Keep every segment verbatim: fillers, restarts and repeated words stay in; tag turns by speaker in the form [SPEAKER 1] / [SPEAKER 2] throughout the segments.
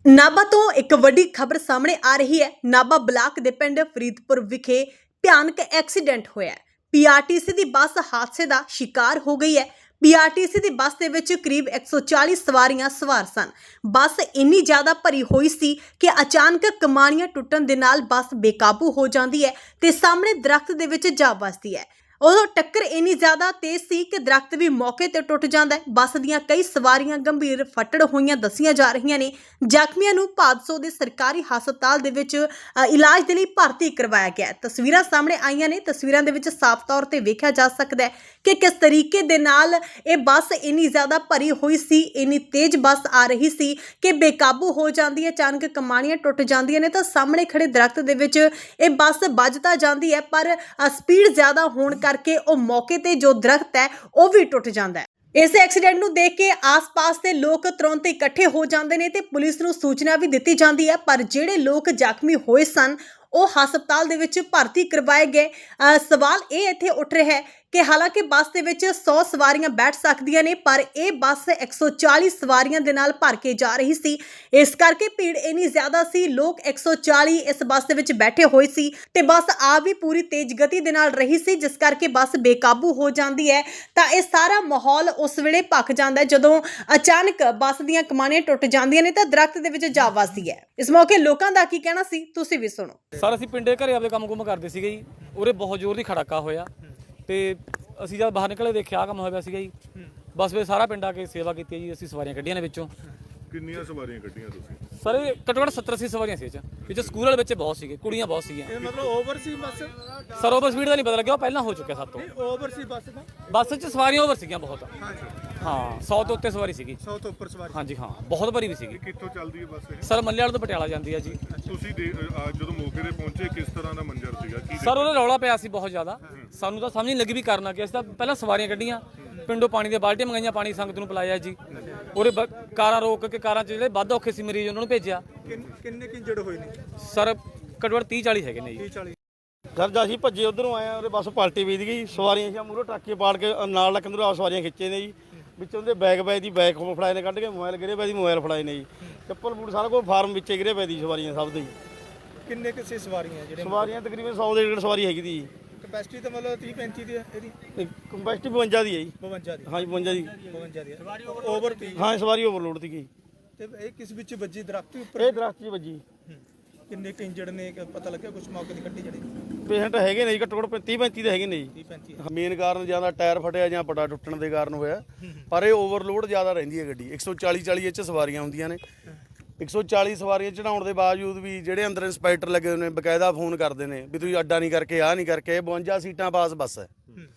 [SPEAKER 1] ਨਾਭਾ ਤੋਂ ਇੱਕ ਵੱਡੀ ਖਬਰ ਸਾਹਮਣੇ ਆ ਰਹੀ ਹੈ। ਨਾਭਾ ਬਲਾਕ ਦੇ ਪਿੰਡ ਫਰੀਦਪੁਰ ਵਿਖੇ ਭਿਆਨਕ ਐਕਸੀਡੈਂਟ ਹੋਇਆ ਹੈ। ਪੀਆਰਟੀਸੀ ਦੀ ਬੱਸ ਹਾਦਸੇ ਦਾ ਸ਼ਿਕਾਰ ਹੋ ਗਈ ਹੈ। ਪੀਆਰਟੀਸੀ ਦੀ ਬੱਸ ਦੇ ਵਿੱਚ ਕਰੀਬ ਇੱਕ ਸੌ ਚਾਲੀ ਸਵਾਰੀਆਂ ਸਵਾਰ ਸਨ। ਬੱਸ ਇੰਨੀ ਜ਼ਿਆਦਾ ਭਰੀ ਹੋਈ ਸੀ ਕਿ ਅਚਾਨਕ ਕਮਾਨੀਆਂ ਟੁੱਟਣ ਦੇ ਨਾਲ ਬੱਸ ਬੇਕਾਬੂ ਹੋ ਜਾਂਦੀ ਹੈ ਤੇ ਸਾਹਮਣੇ ਦਰਖਤ ਦੇ ਵਿੱਚ ਜਾ ਵੱਜਦੀ ਹੈ। ਉਦੋਂ ਟੱਕਰ ਇੰਨੀ ਜ਼ਿਆਦਾ ਤੇਜ਼ ਸੀ ਕਿ ਦਰਖਤ ਵੀ ਮੌਕੇ ਤੇ ਟੁੱਟ ਜਾਂਦਾ ਹੈ। ਬੱਸ ਦੀਆਂ ਕਈ ਸਵਾਰੀਆਂ ਗੰਭੀਰ ਫੱਟੜ ਹੋਈਆਂ ਦੱਸੀਆਂ ਜਾ ਰਹੀਆਂ ਨੇ। ਜ਼ਖਮੀਆਂ ਨੂੰ ਭਾਦਸੋਂ ਦੇ ਸਰਕਾਰੀ ਹਸਪਤਾਲ ਦੇ ਵਿੱਚ ਅ, ਇਲਾਜ ਦੇ ਲਈ ਭਰਤੀ ਕਰਵਾਇਆ ਗਿਆ ਹੈ। ਤਸਵੀਰਾਂ ਸਾਹਮਣੇ ਆਈਆਂ ਨੇ। ਤਸਵੀਰਾਂ ਦੇ ਵਿੱਚ ਸਾਫ਼ ਤੌਰ ਤੇ ਵੇਖਿਆ ਜਾ ਸਕਦਾ ਹੈ ਕਿ ਕਿਸ ਤਰੀਕੇ ਦੇ ਨਾਲ ਇਹ ਬੱਸ ਇੰਨੀ ਜ਼ਿਆਦਾ ਭਰੀ ਹੋਈ ਸੀ, ਇੰਨੀ ਤੇਜ਼ ਬੱਸ ਆ ਰਹੀ ਸੀ ਕਿ ਬੇਕਾਬੂ ਹੋ ਜਾਂਦੀ ਹੈ। ਅਚਾਨਕ ਕਮਾਨੀਆਂ ਟੁੱਟ ਜਾਂਦੀਆਂ ਨੇ ਤਾਂ ਸਾਹਮਣੇ ਖੜੇ ਦਰਖਤ ਦੇ ਵਿੱਚ ਇਹ ਬੱਸ ਵੱਜ ਤਾਂ ਜਾਂਦੀ ਹੈ, ਪਰ ਸਪੀਡ ਜ਼ਿਆਦਾ ਹੋਣ ਕਰਕੇ ਉਹ ਮੌਕੇ ਤੇ ਜੋ ਦਰਖਤ ਹੈ ਉਹ ਵੀ ਟੁੱਟ ਜਾਂਦਾ ਹੈ। ਇਸ ਐਕਸੀਡੈਂਟ ਨੂੰ ਦੇਖ ਕੇ ਆਸ-ਪਾਸ ਦੇ ਲੋਕ ਤੁਰੰਤ ਇਕੱਠੇ ਹੋ ਜਾਂਦੇ ਨੇ ਤੇ ਪੁਲਿਸ ਨੂੰ ਸੂਚਨਾ ਵੀ ਦਿੱਤੀ ਜਾਂਦੀ ਹੈ, ਪਰ ਜਿਹੜੇ ਲੋਕ ਜ਼ਖਮੀ ਹੋਏ ਸਨ ਉਹ ਹਸਪਤਾਲ ਦੇ ਵਿੱਚ ਭਰਤੀ ਕਰਵਾਏ ਗਏ। ਅ, ਸਵਾਲ ਇਹ ਇੱਥੇ ਉੱਠ ਰਿਹਾ ਹੈ ਕਿ ਹਾਲਾਂਕਿ ਬੱਸ ਦੇ ਵਿੱਚ ਸੌ ਸਵਾਰੀਆਂ ਬੈਠ ਸਕਦੀਆਂ ਨੇ, ਪਰ ਇਹ ਬੱਸ ਇੱਕ ਸੌ ਚਾਲੀ ਸਵਾਰੀਆਂ ਦੇ ਨਾਲ ਭਰ ਕੇ ਜਾ ਰਹੀ ਸੀ। ਇਸ ਕਰਕੇ ਭੀੜ ਇੰਨੀ ਜ਼ਿਆਦਾ ਸੀ, ਲੋਕ ਇੱਕ ਸੌ ਚਾਲੀ ਇਸ ਬੱਸ ਦੇ ਵਿੱਚ ਬੈਠੇ ਹੋਏ ਸੀ ਤੇ ਬੱਸ ਆ ਵੀ ਪੂਰੀ ਤੇਜ਼ ਗਤੀ ਦੇ ਨਾਲ ਰਹੀ ਸੀ, ਜਿਸ ਕਰਕੇ ਬੱਸ ਬੇਕਾਬੂ ਹੋ ਜਾਂਦੀ ਹੈ। ਤਾਂ ਇਹ ਸਾਰਾ ਮਾਹੌਲ ਉਸ ਵੇਲੇ ਭਖ ਜਾਂਦਾ ਹੈ ਜਦੋਂ ਅਚਾਨਕ ਬੱਸ ਦੀਆਂ ਕਮਾਨੀਆਂ ਟੁੱਟ ਜਾਂਦੀਆਂ ਨੇ ਤਾਂ ਦਰਖਤ ਦੇ ਵਿੱਚ ਜਾ ਵੱਜਦੀ ਹੈ। ਇਸ ਮੌਕੇ ਲੋਕਾਂ ਦਾ ਕੀ ਕਹਿਣਾ ਸੀ, ਤੁਸੀਂ ਵੀ ਸੁਣੋ।
[SPEAKER 2] ਸਰ ਅਸੀਂ ਪਿੰਡੇ ਘਰੇ ਆਪਦੇ ਕੰਮ ਕੁਮ ਕਰਦੇ ਸੀਗੇ ਜੀ। ਉਰੇ ਬਹੁਤ ਜ਼ੋਰ ਦੀ ਖੜਾਕਾ ਹੋਇਆ ਤੇ ਅਸੀਂ ਜਦ ਬਾਹਰ ਨਿਕਲੇ ਦੇਖਿਆ ਕੰਮ ਹੋਇਆ ਸੀਗਾ ਜੀ। ਬਸ ਫਿਰ ਸਾਰਾ ਪਿੰਡ ਆ ਕੇ ਸੇਵਾ ਕੀਤੀ ਹੈ ਜੀ। ਅਸੀਂ ਸਵਾਰੀਆਂ ਕੱਢੀਆਂ ਨੇ ਵਿੱਚੋਂ।
[SPEAKER 3] ਕਿੰਨੀਆਂ ਸਵਾਰੀਆਂ ਕੱਢੀਆਂ ਤੁਸੀਂ?
[SPEAKER 2] ਸਰ ਇਹ ਘੱਟੋ ਘੱਟ ਸੱਤਰ ਅੱਸੀ ਸਵਾਰੀਆਂ ਸੀ ਇਹ 'ਚ। ਵਿੱਚ ਸਕੂਲ ਵਾਲੇ ਬੱਚੇ ਬਹੁਤ ਸੀਗੇ, ਕੁੜੀਆਂ ਬਹੁਤ ਸੀਗੀਆਂ।
[SPEAKER 4] ਇਹ ਮਤਲਬ ਓਵਰ ਸੀ ਬੱਸ?
[SPEAKER 2] ਸਰ ਓਵਰ ਸਪੀਡ ਦਾ ਨਹੀਂ ਪਤਾ ਲੱਗਿਆ, ਉਹ ਪਹਿਲਾਂ ਹੋ ਚੁੱਕਿਆ ਸਾਡੇ ਤੋਂ।
[SPEAKER 4] ਓਵਰ ਸੀ ਬੱਸ ਦਾ?
[SPEAKER 2] ਬੱਸ 'ਚ ਸਵਾਰੀਆਂ ਓਵਰ ਸੀਗੀਆਂ ਬਹੁਤ।
[SPEAKER 4] ਹਾਂਜੀ
[SPEAKER 2] ਹਾਂ, ਸੌ ਤੋਂ ਉੱਤੇ ਸਵਾਰੀ ਸੀਗੀ।
[SPEAKER 4] ਸੌ ਤੋਂ ਉੱਪਰ ਸਵਾਰੀ?
[SPEAKER 2] ਹਾਂਜੀ ਹਾਂ, ਬਹੁਤ ਭਰੀ ਵੀ ਸੀਗੀ।
[SPEAKER 3] ਕਿੱਥੋਂ ਚੱਲਦੀ ਹੈ ਬੱਸ ਇਹ?
[SPEAKER 2] ਸਰ ਮੱਲੇ ਵਾਲੇ ਤੋਂ ਪਟਿਆਲਾ ਜਾਂਦੀ ਹੈ ਜੀ।
[SPEAKER 3] ਤੁਸੀਂ ਦੇ- ਅ, ਜਦੋਂ ਮੌਕੇ ਤੇ ਪਹੁੰਚੇ ਕਿਸ ਤਰ੍ਹਾਂ ਦਾ ਮੰਜ਼ਰ ਸੀਗਾ? ਕੀ
[SPEAKER 2] ਸਰ ਉਹਦਾ ਰੌਲਾ ਪਿਆ ਸੀ ਬਹੁਤ ਜ਼ਿਆਦਾ। ਸਾਨੂੰ ਤਾਂ ਸਮਝ ਨਹੀਂ ਲੱਗੀ ਵੀ ਕਰਨਾ ਕੀ। ਅਸੀਂ ਤਾਂ ਪਹਿਲਾਂ ਸਵਾਰੀਆਂ ਕੱਢੀਆਂ, ਪਿੰਡੋਂ ਪਾਣੀ ਦੀਆਂ ਬਾਲਟੀਆਂ ਮੰਗਾਈਆਂ, ਪਾਣੀ ਸੰਗਤ ਨੂੰ ਪਿਲਾਇਆ ਜੀ। ਉਹਦੇ ਬ- ਕਾਰਾਂ ਰੋਕ ਕੇ, ਕਾਰਾਂ 'ਚ ਜਿਹੜੇ ਵੱਧ ਔਖੇ ਸੀ ਮਰੀਜ਼ ਉਹਨਾਂ ਨੂੰ ਭੇਜਿਆ।
[SPEAKER 4] ਕਿੰਨੇ ਕਿੰਜੜ ਹੋਏ ਨੇ?
[SPEAKER 2] ਸਰ ਘੱਟੋ ਘੱਟ ਤੀਹ ਚਾਲੀ ਹੈਗੇ ਨੇ ਜੀ।
[SPEAKER 4] ਤੀਹ ਚਾਲੀ?
[SPEAKER 5] ਸਰ ਜਦ ਅਸੀਂ ਭੱਜੇ ਉਧਰੋਂ ਆਏ ਆ, ਉਹਦੇ ਬੱਸ ਪਲਟੀ ਵੀਦ ਗਈ। ਸਵਾਰੀਆਂ ਸੀ ਮੂਹਰੋਂ ਟਰੱਕੇ ਪਾੜ ਕੇ ਨਾਲ ਲੱਕ ਨੂੰ ਆਪ ਸਵਾਰੀਆਂ ਖਿੱਚੇ ਨੇ ਜੀ। ਵਿੱਚੋਂ ਦੇ ਬੈਗ ਬੈਗ ਦੀ ਬੈਗ ਫੜਾਏ ਨੇ, ਕੱਢ ਕੇ ਮੋਬਾਈਲ ਗਿਰੇ ਪਏ ਦੀ ਮੋਬਾਈਲ ਫੜਾਏ ਨੇ ਜੀ। ਚੱਪਲ ਬੂਟ ਸਾਰਾ ਕੁਝ ਫਾਰਮ ਵਿੱਚੇ ਗਿਰੇ ਪਏ ਦੀ ਸਵਾਰੀਆਂ ਸਭ ਦੇ ਜੀ।
[SPEAKER 4] ਕਿੰਨੇ ਕਿਸੇ ਸਵਾਰੀਆਂ ਜਿਹੜੇ?
[SPEAKER 5] ਸਵਾਰੀਆਂ ਤਕਰੀਬਨ ਸੌ ਦੇ ਡੇਢ ਸਵਾਰੀ ਹੈਗੀ ਦੀ ਜੀ।
[SPEAKER 4] ਕਪੈਸਿਟੀ ਤਾਂ ਮਤਲਬ ਤੀਹ ਪੈਂਤੀ ਦੀ ਹੈ ਇਹਦੀ?
[SPEAKER 5] ਕੰਪੈਸਿਟੀ ਬਵੰਜਾ ਦੀ ਹੈ ਜੀ।
[SPEAKER 4] ਬਵੰਜਾ ਦੀ?
[SPEAKER 5] ਹਾਂਜੀ ਬਵੰਜਾ ਦੀ।
[SPEAKER 4] ਬਵੰਜਾ ਦੀ ਓਵਰ ਤੀ?
[SPEAKER 5] ਹਾਂ ਸਵਾਰੀ ਓਵਰਲੋਡ ਸੀ ਗਈ।
[SPEAKER 4] ਤੇ ਇਹ ਕਿਸ ਵਿੱਚ ਵੱਜੀ? ਦਰਖਤ ਦੇ ਉੱਪਰ?
[SPEAKER 5] ਇਹ ਦਰਖਤ 'ਚ ਵੱਜੀ।
[SPEAKER 4] ਹੂੰ। ਕਿੰਨੇ ਕੁ ਇੰਜੜ ਨੇ? ਕਿ ਪਤਾ ਲੱਗਿਆ ਕੁਝ ਮੌਕੇ ਦੀ ਕੱਟੀ ਜਿਹੜੀ?
[SPEAKER 5] ਪੇਸ਼ੈਂਟ ਹੈਗੇ ਨੇ ਜੀ, ਘੱਟੋ ਘੱਟ ਤੀਹ ਪੈਂਤੀ ਦੇ ਹੈਗੇ ਨੇ ਜੀ।
[SPEAKER 4] ਤੀਹ ਪੈਂਤੀ?
[SPEAKER 5] ਮੇਨ ਕਾਰਨ ਜਾਂ ਤਾਂ ਟਾਇਰ ਫਟਿਆ ਜਾਂ ਪਟਾ ਟੁੱਟਣ ਦੇ ਕਾਰਨ ਹੋਇਆ, ਪਰ ਇਹ ਓਵਰਲੋਡ ਜ਼ਿਆਦਾ ਰਹਿੰਦੀ ਹੈ ਗੱਡੀ। ਇੱਕ ਸੌ ਚਾਲੀ ਚਾਲੀ ਇਹ 'ਚ ਸਵਾਰੀਆਂ ਹੁੰਦੀਆਂ ਨੇ। ਇੱਕ ਸੌ ਚਾਲੀ ਸਵਾਰੀਆਂ ਚੜਾਉਣ ਦੇ ਬਾਵਜੂਦ ਵੀ ਜਿਹੜੇ ਅੰਦਰ ਇੰਸਪੈਕਟਰ ਲੱਗੇ ਹੋਏ ਨੇ ਬਕਾਇਦਾ ਫੋਨ ਕਰਦੇ ਨੇ ਵੀ ਤੁਸੀਂ ਅੱਡਾ ਨਹੀਂ ਕਰਕੇ ਆਹ ਨਹੀਂ ਕਰਕੇ। ਇਹ ਬਵੰਜਾ ਸੀਟਾਂ ਪਾਸ ਬੱਸ ਹੈ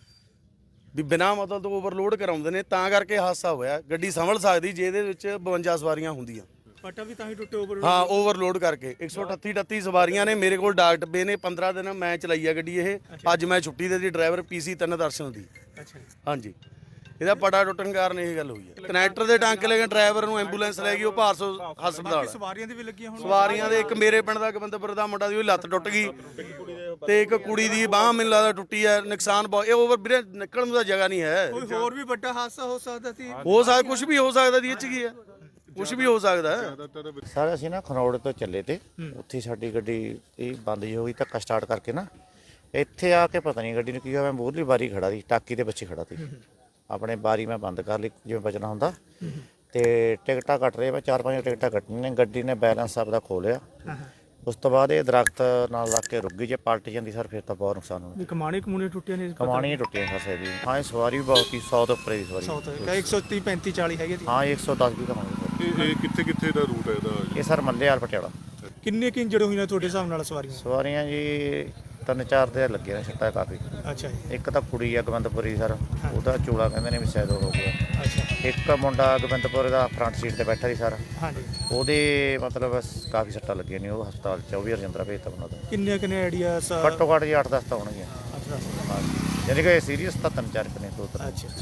[SPEAKER 5] ਵੀ ਬਿਨਾਂ ਮਤਲਬ ਤੋਂ ਓਵਰਲੋਡ ਕਰਾਉਂਦੇ ਨੇ, ਤਾਂ ਕਰਕੇ ਹਾਦਸਾ ਹੋਇਆ। ਗੱਡੀ ਸੰਭਲ ਸਕਦੀ ਜੇ ਇਹਦੇ ਵਿੱਚ ਬਵੰਜਾ ਸਵਾਰੀਆਂ ਹੁੰਦੀਆਂ।
[SPEAKER 4] ਪਟਾ ਵੀ ਤਾਂ ਹੀ ਟੁੱਟੇ ਓਵਰ?
[SPEAKER 5] ਹਾਂ ਓਵਰਲੋਡ ਕਰਕੇ। ਇੱਕ ਸੌ ਅਠੱਤੀ ਅਠੱਤੀ ਸਵਾਰੀਆਂ ਨੇ। ਮੇਰੇ ਕੋਲ ਡਾਕ ਡੱਬੇ ਨੇ। ਪੰਦਰਾਂ ਦਿਨ ਮੈਂ ਚਲਾਈ ਆ ਗੱਡੀ ਇਹ। ਅੱਜ ਮੈਂ ਛੁੱਟੀ ਦੇ ਦੀ ਡਰਾਈਵਰ ਪੀਸੀ ਤਿੰਨ ਦਰਸ਼ਨ ਦੀ।
[SPEAKER 4] ਅੱਛਾ।
[SPEAKER 5] ਹਾਂਜੀ, ਇਹਦਾ ਪਟਾ ਟੁੱਟਣ ਕਾਰਨ ਇਹ ਗੱਲ ਹੋਈ ਹੈ। ਕਨੈਕਟਰ ਦੇ ਟਾਂਕੇ ਲੈ ਕੇ ਡਰਾਈਵਰ ਨੂੰ ਐਂਬੂਲੈਂਸ ਲੈ ਗਈ, ਉਹ ਭਾਰਸੋ ਹਸਪਤਾਲ।
[SPEAKER 4] ਸਵਾਰੀਆਂ ਦੀ ਵੀ ਲੱਗੀਆਂ ਹੁਣ?
[SPEAKER 5] ਸਵਾਰੀਆਂ ਦੇ ਇੱਕ ਮੇਰੇ ਪਿੰਡ ਦਾ ਗੋਬਿੰਦਪੁਰ ਦਾ ਮੁੰਡਾ ਦੀ ਉਹਦੀ ਲੱਤ ਟੁੱਟ ਗਈ ਤੇ ਇੱਕ ਕੁੜੀ ਦੀ ਬਾਂਹ ਮੈਨੂੰ ਲੱਗਦਾ ਟੁੱਟੀ ਹੈ। ਨੁਕਸਾਨ ਬਹੁਤ। ਇਹ ਓਵਰ ਵੀਰੇ ਨਿਕਲਣ ਨੂੰ ਤਾਂ ਜਗ੍ਹਾ ਨਹੀਂ ਹੈ।
[SPEAKER 4] ਕੋਈ ਹੋਰ ਵੀ ਵੱਡਾ ਹਾਦਸਾ ਹੋ ਸਕਦਾ ਸੀ?
[SPEAKER 5] ਹੋ ਸਕਦਾ, ਕੁਝ ਵੀ ਹੋ ਸਕਦਾ ਦੀ ਇਹ 'ਚ ਕੀ ਹੈ, ਕੁਝ ਵੀ ਹੋ ਸਕਦਾ ਹੈ।
[SPEAKER 6] ਸਰ ਅਸੀਂ ਨਾ ਖਰੋੜ ਤੋਂ ਚੱਲੇ ਤੇ ਉੱਥੇ ਸਾਡੀ ਗੱਡੀ ਇਹ ਬੰਦ ਜਿਹੀ ਹੋ ਗਈ। ਧੱਕਾ ਸਟਾਰਟ ਕਰਕੇ ਨਾ ਇੱਥੇ ਆ ਕੇ ਪਤਾ ਨਹੀਂ ਗੱਡੀ ਨੂੰ ਕੀ ਹੋਇਆ। ਮੈਂ ਮੂਹਰਲੀ ਬਾਰੀ ਖੜਾ ਸੀ, ਟਾਕੀ ਦੇ ਪਿੱਛੇ ਖੜਾ ਸੀ। ਆਪਣੇ ਬਾਰੀ ਮੈਂ ਬੰਦ ਕਰ ਲਈ ਜਿਵੇਂ ਬਚਣਾ ਹੁੰਦਾ, ਤੇ ਟਿਕਟਾਂ ਕੱਟ ਰਹੇ। ਮੈਂ ਚਾਰ ਪੰਜ ਟਿਕਟਾਂ ਕੱਟਣੀਆਂ ਨੇ। ਗੱਡੀ ਨੇ ਬੈਲੈਂਸ ਆਪਦਾ ਖੋ ਲਿਆ। ਉਸ ਤੋਂ ਬਾਅਦ ਇਹ ਦਰਖਤ ਨਾਲ ਲੱਗ ਕੇ ਰੁਕ ਗਈ। ਜੇ ਪਲਟ ਜਾਂਦੀ ਸਰ ਫਿਰ ਤਾਂ ਬਹੁਤ ਨੁਕਸਾਨ ਹੋਣਾ।
[SPEAKER 4] ਕਮਾਣੀ ਕਮੂਣੀ ਟੁੱਟੀਆਂ ਨੇ?
[SPEAKER 6] ਕਮਾਣੀਆਂ ਟੁੱਟੀਆਂ ਸਰ ਸੇਦੀ। ਹਾਂ ਇਹ ਸਵਾਰੀ ਵੀ ਬਹੁਤ ਸੀ, ਸੌ ਤੋਂ ਉੱਪਰ ਦੀ ਸਵਾਰੀ।
[SPEAKER 4] ਸੌ ਤੋਂ ਇੱਕ ਸੌ ਤੀਹ ਪੈਂਤੀ ਚਾਲੀ ਹੈਗੇ ਜੀ?
[SPEAKER 6] ਹਾਂ ਇੱਕ ਸੌ ਦਸ ਵੀ ਕਮਾਂਗੇ ਸਰ।
[SPEAKER 3] ਇਹ ਇਹ ਕਿੱਥੇ ਕਿੱਥੇ ਦਾ ਰੂਟ ਹੈ ਇਹਦਾ?
[SPEAKER 6] ਇਹ ਸਰ ਮੱਲੇ ਵਾਲ ਪਟਿਆਲਾ।
[SPEAKER 4] ਕਿੰਨੇ ਕੁ ਇੰਜੜ ਹੋਈਆਂ ਤੁਹਾਡੇ ਹਿਸਾਬ ਨਾਲ ਸਵਾਰੀਆਂ?
[SPEAKER 6] ਸਵਾਰੀਆਂ ਜੀ ਤਿੰਨ ਚਾਰ ਦੇ ਲੱਗੇ ਨੇ ਛੱਟਾ ਕਾਫੀ।
[SPEAKER 4] ਅੱਛਾ ਜੀ।
[SPEAKER 6] ਇੱਕ ਤਾਂ ਕੁੜੀ ਆ ਗੋਬਿੰਦਪੁਰੀ ਸਰ, ਉਹਦਾ ਚੂੜਾ ਕਹਿੰਦੇ ਨੇ ਵੀ ਸ਼ਾਇਦ ਉਹ ਹੋ ਗਿਆ।
[SPEAKER 4] ਅੱਛਾ।
[SPEAKER 6] ਇੱਕ ਮੁੰਡਾ ਗੋਬਿੰਦਪੁਰ ਦਾ ਫਰੰਟ ਸੀਟ ਤੇ ਬੈਠਾ ਸੀ ਸਰ,
[SPEAKER 4] ਹਾਂਜੀ।
[SPEAKER 6] ਉਹਦੇ ਮਤਲਬ ਕਾਫੀ ਸੱਟਾਂ ਲੱਗੀਆਂ ਨੇ। ਉਹ ਹਸਪਤਾਲ ਚ ਉਹ ਵੀ ਰਜਿੰਦਰਾ ਭੇਜਤਾ ਉਹਨਾਂ ਦਾ।
[SPEAKER 4] ਕਿੰਨੇ ਕਿੰਨੇ ਆਈਡੀਆ?
[SPEAKER 6] ਘੱਟੋ ਘੱਟ ਜੀ ਅੱਠ ਦਸ ਤਾਂ ਹੋਣਗੀਆਂ।
[SPEAKER 4] ਅੱਛਾ।
[SPEAKER 6] ਹਾਂ, ਯਾਨੀ ਕਿ ਸੀਰੀਅਸ ਤਾਂ ਤਿੰਨ ਚਾਰ ਕੁ ਨੇ, ਦੋ ਤਿੰਨ।
[SPEAKER 4] ਅੱਛਾ।